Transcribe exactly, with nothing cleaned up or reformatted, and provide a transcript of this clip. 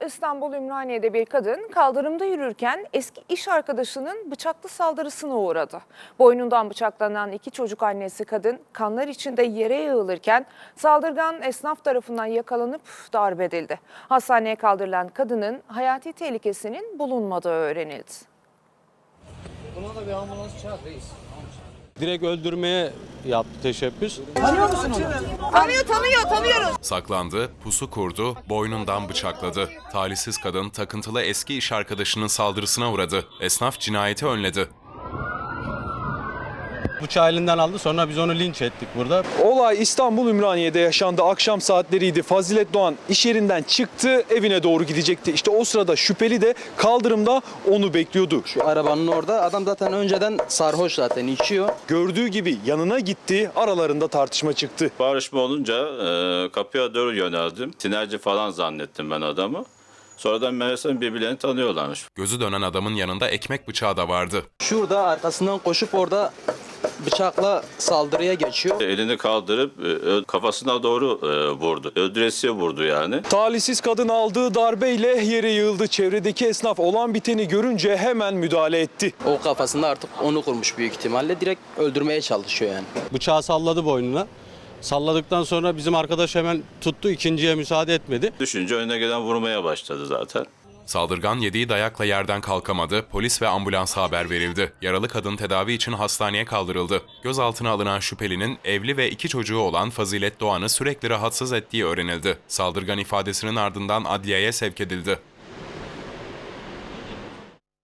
İstanbul Ümraniye'de bir kadın kaldırımda yürürken eski iş arkadaşının bıçaklı saldırısına uğradı. Boynundan bıçaklanan iki çocuk annesi kadın kanlar içinde yere yığılırken saldırgan esnaf tarafından yakalanıp darp edildi. Hastaneye kaldırılan kadının hayati tehlikesinin bulunmadığı öğrenildi. Buna da bir ambulans çağır reis. Direkt öldürmeye yaptı teşebbüs. Tanıyor musun onu? Tanıyor, tanıyor, tanıyoruz. Saklandı, pusu kurdu, boynundan bıçakladı. Talihsiz kadın takıntılı eski iş arkadaşının saldırısına uğradı. Esnaf cinayeti önledi. Bıçağı elinden aldı, sonra biz onu linç ettik burada. Olay İstanbul Ümraniye'de yaşandı. Akşam saatleriydi. Fazilet Doğan iş yerinden çıktı, evine doğru gidecekti. İşte o sırada şüpheli de kaldırımda onu bekliyordu. Şu arabanın orada adam zaten önceden sarhoş, zaten içiyor. Gördüğü gibi yanına gitti, aralarında tartışma çıktı. Bağırışma olunca e, kapıya doğru yöneldim. Tinerci falan zannettim ben adamı. Sonradan meğersem birbirlerini tanıyorlarmış. Gözü dönen adamın yanında ekmek bıçağı da vardı. Şurada arkasından koşup orada bıçakla saldırıya geçiyor. Elini kaldırıp e, kafasına doğru e, vurdu. Öldüresiye vurdu yani. Talihsiz kadın aldığı darbeyle yere yığıldı. Çevredeki esnaf olan biteni görünce hemen müdahale etti. O kafasında artık onu kurmuş büyük ihtimalle. Direkt öldürmeye çalışıyor yani. Bıçağı salladı boynuna. Salladıktan sonra bizim arkadaş hemen tuttu, ikinciye müsaade etmedi. Düşünce önüne gelen vurmaya başladı zaten. Saldırgan yediği dayakla yerden kalkamadı, polis ve ambulansa haber verildi. Yaralı kadın tedavi için hastaneye kaldırıldı. Gözaltına alınan şüphelinin evli ve iki çocuğu olan Fazilet Doğan'ı sürekli rahatsız ettiği öğrenildi. Saldırgan ifadesinin ardından adliyeye sevk edildi.